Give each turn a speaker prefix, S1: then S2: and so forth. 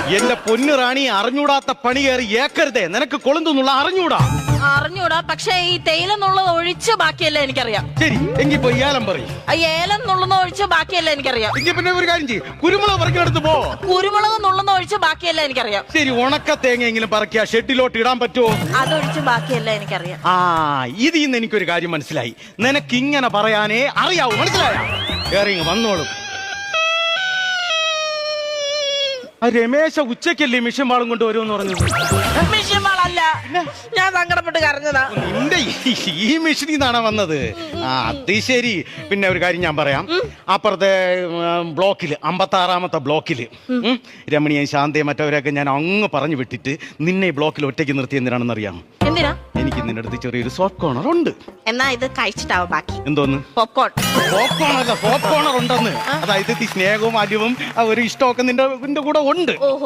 S1: എന്റെ പൊന്നു റാണി, അറിഞ്ഞൂടാത്ത പണി കയറി ഏക്കരുതേ. നിനക്ക് കൊളുന്തെന്നുള്ള
S2: അറിഞ്ഞൂടാ, പക്ഷെ ഈ തേയില എന്നുള്ളത് ഒഴിച്ച് ബാക്കിയല്ല എനിക്കറിയാം.
S1: ശരി, എങ്കിൽ പോയി ഏലം പറയും.
S2: ഏലം നുള്ളുന്ന ഒഴിച്ച് ബാക്കിയല്ല എനിക്കറിയാം.
S1: എങ്കിൽ പിന്നെ ഒരു കാര്യം ചെയ്യും, കുരുമുളക് പറിക്കെടുത്ത് പോ.
S2: കുരുമുളക് നുള്ളുന്ന ഒഴിച്ച് ബാക്കിയല്ല എനിക്കറിയാം.
S1: ശരി, ഉണക്ക തേങ്ങയെങ്കിലും പറക്കിയ ഷെഡിലോട്ട് ഇടാൻ പറ്റുമോ?
S2: അതൊഴിച്ച് ബാക്കിയല്ല എനിക്കറിയാം.
S1: ഇതിൽ നിന്ന് എനിക്കൊരു കാര്യം മനസ്സിലായി. നിനക്ക് ഇങ്ങനെ പറയാനേ അറിയാവൂ, മനസ്സിലായ? കേറി വന്നോളും. രമേശ ഉച്ചക്കല്ലേ മിഷൻ വാളും കൊണ്ട് വരുമെന്ന് പറഞ്ഞത്?
S2: മിഷൻ വാളല്ല, ഞാൻ സങ്കടപ്പെട്ട് കരഞ്ഞതാ.
S1: നിന്റെ ഈ മിഷനിൽ നിന്നാണ് വന്നത്? അത് ശരി. പിന്നെ ഒരു കാര്യം ഞാൻ പറയാം. അപ്പുറത്തെ ബ്ലോക്കില് 56-ാമത്തെ ബ്ലോക്കില് രമണിയും ശാന്തയും മറ്റവരെയൊക്കെ ഞാൻ അങ്ങ് പറഞ്ഞു വിട്ടിട്ട് നിന്നെ ഈ ബ്ലോക്കിൽ ഒറ്റയ്ക്ക് നിർത്തി എന്തിനാണെന്ന് അറിയാം?
S2: എന്തിനാ?
S1: എനിക്ക് നിന്റെ അടുത്ത് ചെറിയൊരു സോഫ്റ്റ് കോർണർ ഉണ്ട്.
S2: എന്നാ ഇത് കഴിച്ചിട്ടാവും ബാക്കി.
S1: എന്തോന്ന്?
S2: പോപ്കോൺ.
S1: സോഫ്റ്റ് കോർണർ ഉണ്ടെന്ന്. അതായത് സ്നേഹവും അലിവും ഒരു ഇഷ്ടമൊക്കെ നിന്റെ കൂടെ ഉണ്ട്.